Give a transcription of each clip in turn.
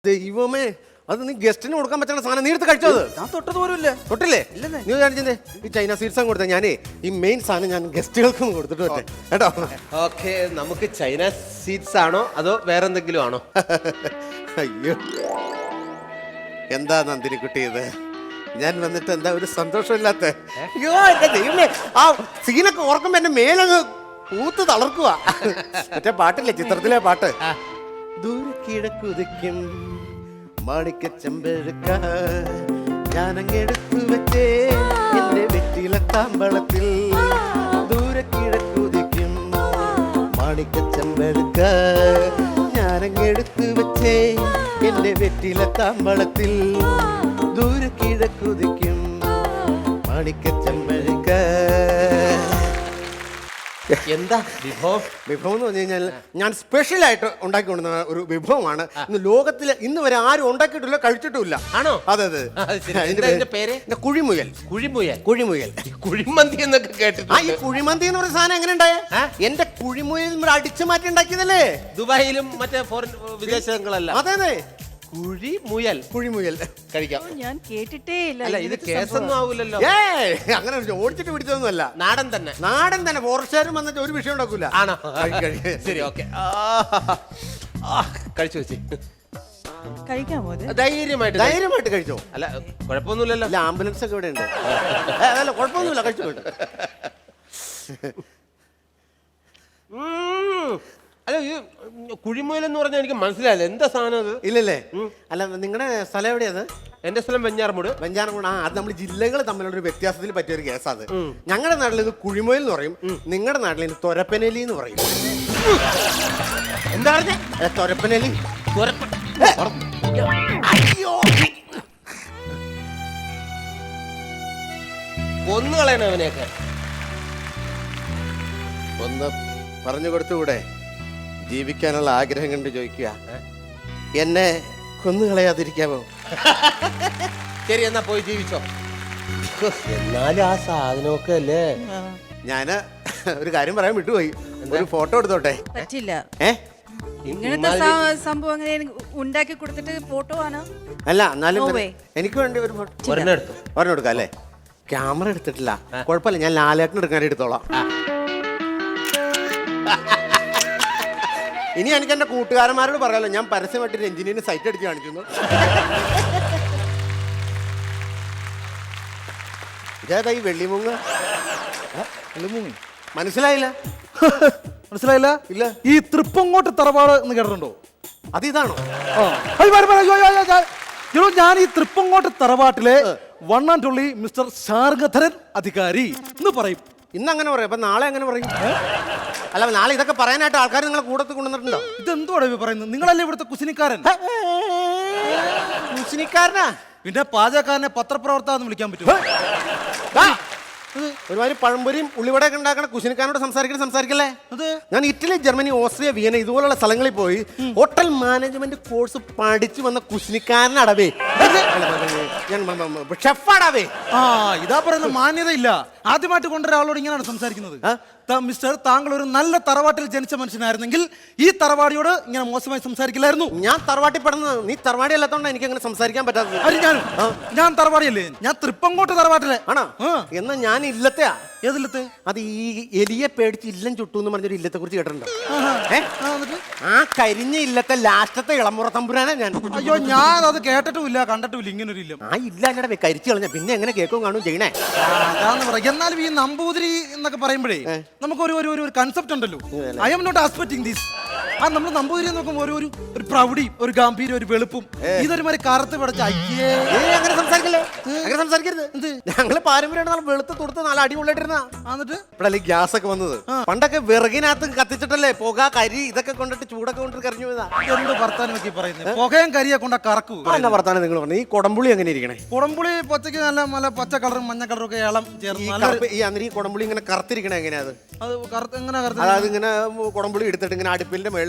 ദൈവമേ, അത് നീ ഗസ്റ്റിന് കൊടുക്കാൻ പറ്റുന്ന സാധനം നീ എടുത്ത് കഴിച്ചത്? ഞാൻ തൊട്ടത് പോലും ഇല്ല. തൊട്ടില്ലേ? നീ കാണിച്ചേ ഈ ചൈന സ്വീറ്റ്സ് കൊടുത്ത ഞാനേ ഈ മെയിൻ സാധനം ഞാൻ ഗസ്റ്റുകൾക്കും കൊടുത്തിട്ട് പറ്റേ കേട്ടോ. ഓക്കെ, നമുക്ക് ചൈന സ്വീറ്റ്സ് ആണോ അതോ വേറെ എന്തെങ്കിലും ആണോ? അയ്യോ, എന്താ നന്ദിനിക്കുട്ടി ഇത്? ഞാൻ വന്നിട്ട് എന്താ ഒരു സന്തോഷമില്ലാത്ത? അയ്യോ എന്റെ ദൈവമേ, ആ സീനൊക്കെ ഓർക്കുമ്പോ എന്റെ മേലങ്ങ് പൂത്ത് തളർക്കുക. മറ്റേ പാട്ടില്ലേ, ചിത്രത്തിലെ പാട്ട്, ദൂരെ കിഴക്കുതിക്കും മാണിക്ക ചെമ്പെടുക്ക ഞാനങ്ങെടുത്തു വെച്ചേ എന്റെ വെറ്റില താമ്പളത്തിൽ. ദൂരെ കിഴക്കുതിക്കും മാണിക്ക ചെമ്പെടുക്ക ഞാനങ്ങെടുത്തു വെച്ചേ എന്റെ വെറ്റില താമ്പളത്തിൽ. ദൂരെ കിഴക്കുതിക്കും മാണിക്ക ചെമ്പെടുക്ക. എന്താ വിഭവം? വിഭവം എന്ന് പറഞ്ഞു കഴിഞ്ഞാൽ ഞാൻ സ്പെഷ്യലായിട്ട് ഉണ്ടാക്കി കൊണ്ടുവന്ന ഒരു വിഭവമാണ്. ഇന്ന് ലോകത്തിൽ ഇന്ന് വരെ ആരും ഉണ്ടാക്കിയിട്ടില്ല, കഴിച്ചിട്ടുമില്ല. ആണോ? അതെ അതെ. അതിന്റെ പേര് കുഴിമുയൽ. കുഴിമുയൽ. കുഴിമുയൽ, കുഴിമന്തി എന്നൊക്കെ കേട്ടിട്ടുണ്ട്. ഈ കുഴിമന്തി എന്ന് പറയുന്ന സാധനം എങ്ങനെ ഉണ്ടായേ? എന്റെ കുഴിമുയൽ അടിച്ചു മാറ്റി ഉണ്ടാക്കിയതല്ലേ? ദുബായിലും മറ്റേ ഫോറിൻ വിദേശങ്ങളല്ല. അതെ അതെ, കുഴിമുയൽ. കുഴിമുയൽ കഴിക്കാം. ഞാൻ കേട്ടിട്ടേ ഇല്ല. അല്ല, ഇത് കേസൊന്നും ആവൂലല്ലോ. അങ്ങനെ ഓടിച്ചിട്ട് പിടിച്ചതൊന്നുമല്ല, നാടൻ തന്നെ. നാടൻ തന്നെ. ഫോറസ്റ്റുകാരും വന്നിട്ട് ഒരു വിഷയം ഉണ്ടാക്കൂല. ആണോ? ശരി, ഓക്കെ. കഴിച്ചു വെച്ച് കഴിക്കാമോ? ധൈര്യമായിട്ട് കഴിച്ചോ. അല്ല, കുഴപ്പമൊന്നുമില്ലല്ലോ. അല്ല, ആംബുലൻസ് ഒക്കെ ഇവിടെ ഉണ്ട്. അതല്ല, കുഴപ്പമൊന്നുമില്ല, കഴിച്ചു പോയിട്ട്. അല്ല, ഈ കുഴിമുയൽ എന്ന് പറഞ്ഞാൽ എനിക്ക് മനസ്സിലായില്ല, എന്താ സാധനം അത്? ഇല്ലല്ലേ? അല്ല, നിങ്ങളുടെ സ്ഥലം എവിടെയത്? എന്റെ സ്ഥലം വെഞ്ഞാറമൂട്. വെഞ്ഞാറമൂട്. അത് നമ്മൾ ജില്ലകൾ തമ്മിലുള്ള ഒരു വ്യത്യാസത്തിൽ പറ്റിയ ഒരു കേസാണ്. ഞങ്ങളുടെ നാട്ടിൽ ഇത് കുഴിമുയൽ എന്ന് പറയും, നിങ്ങളുടെ നാട്ടിൽ ഇത് തൊരപ്പനലി എന്ന് പറയും. എന്താ പറഞ്ഞ? തൊരപ്പനലി. കൊന്നു കളയണം അവനെയൊക്കെ. ഒന്ന് പറഞ്ഞു കൊടുത്തുകൂടെ? ജീവിക്കാനുള്ള ആഗ്രഹം കണ്ട് ചോദിക്കുക, എന്നെ കൊന്നുകളയാതിരിക്കാമോ? ശരി, എന്നാ പോയി ജീവിച്ചോ. എന്നാലും ആ സാധനമൊക്കെ അല്ലേ. ഞാന് ഒരു കാര്യം പറയാൻ വിട്ടുപോയി. ഒരു ഫോട്ടോ എടുത്തോട്ടെ? പറ്റില്ല. ഇങ്ങനത്തെ സംഭവം അങ്ങനെ ഉണ്ടാക്കി കൊടുത്തിട്ട് ഫോട്ടോ ആണ്. അല്ല, എന്നാലും എനിക്ക് വേണ്ടി ഒരു ഫോട്ടോ ഒരെണ്ണം എടുക്കാം അല്ലേ? ക്യാമറ എടുത്തിട്ടില്ല, കുഴപ്പമില്ല, ഞാൻ ലാലേട്ടൻ എടുക്കാൻ എടുത്തോളാം. ഇനി എനിക്ക് എന്റെ കൂട്ടുകാരന്മാരോട് പറയാലോ, ഞാൻ പരസ്യമായിട്ട് രഞ്ജിനിന് സൈറ്റ് അടിച്ച് കാണിക്കുന്നു. ഇതേതാ ഈ വെള്ളിമുങ്ങ? മനസ്സിലായില്ല? മനസ്സിലായില്ല? ഇല്ല. ഈ തൃപ്പങ്ങോട്ട് തറവാട് എന്ന് കേട്ടിട്ടുണ്ടോ? അത് ഇതാണോ? ഞാൻ ഈ തൃപ്പങ്ങോട്ട് തറവാട്ടിലെ one and only mister Sharngadharan അധികാരി എന്ന് പറയും. ഇന്ന് അങ്ങനെ പറയും, അപ്പൊ നാളെ അങ്ങനെ പറയും? അല്ല, നാളെ ഇതൊക്കെ പറയാനായിട്ട് ആൾക്കാർ നിങ്ങളെ കൂടത്ത് കൊണ്ടുവന്നിട്ടുണ്ടോ? ഇതെന്തോടെ പറയുന്നത്? നിങ്ങളല്ലേ ഇവിടുത്തെ കുസിനിക്കാരൻ? കുസിനിക്കാരനാ? പിന്നെ പാചകക്കാരനെ പത്രപ്രവർത്തകന്ന് വിളിക്കാൻ പറ്റും? ഒരുമാതിരി പഴംപൊരിയും ഉള്ളിവടയൊക്കെ ഉണ്ടാക്കണ കുശിനിക്കാരനോട് സംസാരിക്കല്ലേ? ഞാൻ ഇറ്റലി, ജർമ്മനി, ഓസ്ട്രിയ, വിയന ഇതുപോലുള്ള സ്ഥലങ്ങളിൽ പോയി ഹോട്ടൽ മാനേജ്മെന്റ് കോഴ്സ് പഠിച്ചു വന്ന കുശിനിക്കാരനടവേ. ഞാൻ ഷെഫാടവേ. ഇതാ പറയുന്ന മാന്യതയില്ല. ആദ്യമായിട്ട് കൊണ്ടൊരാളോട് ഇങ്ങനെയാണ് സംസാരിക്കുന്നത്. മിസ്റ്റർ, താങ്കൾ ഒരു നല്ല തറവാട്ടിൽ ജനിച്ച മനുഷ്യനായിരുന്നെങ്കിൽ ഈ തറവാടിയോട് ഇങ്ങനെ മോശമായി സംസാരിക്കില്ലായിരുന്നു. ഞാൻ തറവാട്ടിൽ പെടുന്നത്, നീ തറവാടി അല്ലാത്തോണ്ടാണ് എനിക്ക് അങ്ങനെ സംസാരിക്കാൻ പറ്റാത്തത്. ഞാൻ തറവാടിയല്ലേ? ഞാൻ തൃപ്പങ്ങോട്ട് തറവാട്ടിലെ ആണോ? എന്നാ ഞാൻ ഇല്ലത്തെയാ. ഏതില്ലത്തെ? അത് ഈ എലിയെ പേടിച്ച് ഇല്ലം ചുട്ടു എന്ന് പറഞ്ഞൊരു ഇല്ലത്തെ കുറിച്ച് കേട്ടിട്ടുണ്ടോ? ആ കരിഞ്ഞ ഇല്ലത്തെ ലാസ്റ്റത്തെ ഇളമുറ തമ്പുരാനാ ഞാൻ. അയ്യോ, ഞാൻ അത് കേട്ടിട്ടുമില്ല കണ്ടിട്ടുമില്ല ഇങ്ങനൊരു ഇല്ലം. ആ ഇല്ലാതെ കരിച്ചു കളഞ്ഞ പിന്നെ എങ്ങനെ കേൾക്കും കാണും ചെയ്യണേ? അതാന്ന് പറയാം. എന്നാലും ഈ നമ്പൂതിരി എന്നൊക്കെ പറയുമ്പോഴേ നമുക്ക് ഒരു കൺസെപ്റ്റ് ഉണ്ടല്ലോ. I'm not expecting this. നമ്മൾ നമ്പൂതിരി നോക്കുമ്പോൾ ഒരു പ്രൗഢി, ഒരു ഗാംഭീര്യം, ഒരു വെളുപ്പും. ഇതൊരു മാതിരി കറുത്ത് പിടച്ച അയ്യേ. അങ്ങനെ സംസാരിക്കല്ലേ, അങ്ങനെ സംസാരിക്കരുത്. ഞങ്ങള് പാരമ്പര്യമായിട്ട് വെളുത്ത് തൊടുത്ത് നല്ല അടിപൊളിയായിട്ടിരുന്ന. എന്നിട്ട് ഇപ്പഴല്ലേ ഗ്യാസ് ഒക്കെ വന്നത്? പണ്ടൊക്കെ വിറകിനകത്ത് കത്തിച്ചിട്ടല്ലേ പുക, കരി ഇതൊക്കെ കൊണ്ടിട്ട് ചൂടൊക്കെ കൊണ്ടിട്ട് കറിഞ്ഞു പോയതാ. എന്ത് വർത്താനം നോക്കി പറയുന്നത്? പുകയും കരിയെ കൊണ്ട കറക്കൂ. എന്നാ വർത്താനം നിങ്ങൾ പറഞ്ഞു? ഈ കൊടംപുളി എങ്ങനെ ഇരിക്കണേ? കൊടംപുളി പച്ചക്ക് നല്ല പച്ച കളറും മഞ്ഞ കളറും ഒക്കെ ഇളം ചേർന്ന് ഈ കൊടംപുളി ഇങ്ങനെ കറുത്തിരിക്കണേ എങ്ങനെയാ? അത് എങ്ങനെ? അതായത് ഇങ്ങനെ കൊടംപുളി എടുത്തിട്ട് ഇങ്ങനെ അടുപ്പിന്റെ മേളിൽ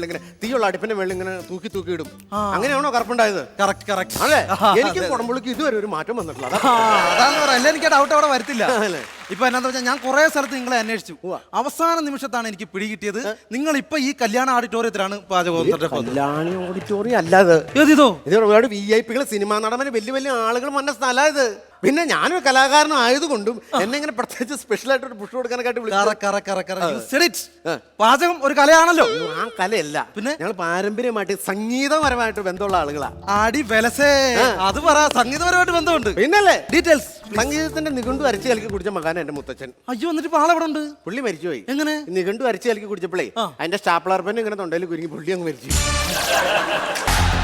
മേളിൽ ഇങ്ങനെ തീയുള്ള അടുപ്പിന്റെ മേളിൽ ഇങ്ങനെ തൂക്കി തൂക്കി ഇടും അങ്ങനെയാണോ കറുപ്പുണ്ടായത്? കറക്റ്റ് കറക്റ്റ് അല്ലേ? എനിക്ക് കുടംപുളിക്ക് ഇതുവരെ ഒരു മാറ്റം വന്നിട്ടില്ല അതാ. അതാന്ന് പറയാം. അല്ല എനിക്ക് ഡൗട്ട് അവിടെ വരത്തില്ല. അല്ലേ? ഇപ്പൊ എന്നാന്ന് വെച്ചാൽ ഞാൻ കുറെ സ്ഥലത്ത് നിങ്ങളെ അന്വേഷിച്ചു. അവസാന നിമിഷത്താണ് എനിക്ക് പിടികിട്ടിയത്. നിങ്ങൾ ഇപ്പൊ ഈ കല്യാണ ഓഡിറ്റോറിയത്തിലാണ് പാചകം കല്യാണി ഓഡിറ്റോറിയം അല്ലാതെ ഏതിതോ ഇത് ഒരുപാട് VIP സിനിമാ നടന്മാര് വലിയ വലിയ ആളുകൾ വന്ന സ്ഥലം ഇത്. പിന്നെ ഞാനൊരു കലാകാരനും ആയതുകൊണ്ടും എന്നെ ഇങ്ങനെ പ്രത്യേകിച്ച് സ്പെഷ്യൽ ആയിട്ട് ഒരു പുഷ് കൊടുക്കാനൊക്കെ പാചകം ഒരു കലയാണല്ലോ. ആ കലയല്ല, പിന്നെ ഞങ്ങൾ പാരമ്പര്യമായിട്ട് സംഗീതപരമായിട്ട് ബന്ധമുള്ള ആളുകളാ. ആടി വെലസേ അത് പറ. സംഗീതപരമായിട്ട് ബന്ധമുണ്ട് പിന്നല്ലേ? ഡീറ്റെയിൽസ്. സംഗീതത്തിന്റെ നിഘണ്ടു അരച്ച് കലക്കി കുടിച്ച മകാൻ എന്റെ മുത്തച്ഛൻ. അയ്യോ, എന്നിട്ട് ഇപ്പൊ ആളെവിടെ ഉണ്ട്? പുള്ളി മരിച്ചുപോയി. എങ്ങനെ? നിഘണ്ടു അരച്ച് കലക്കി കുടിച്ചപ്പോഴേ അതിന്റെ സ്റ്റാപ്ലർ പെൻ ഇങ്ങനെ തൊണ്ടയിൽ കുരുങ്ങി പുള്ളി അങ്ങ് മരിച്ചു.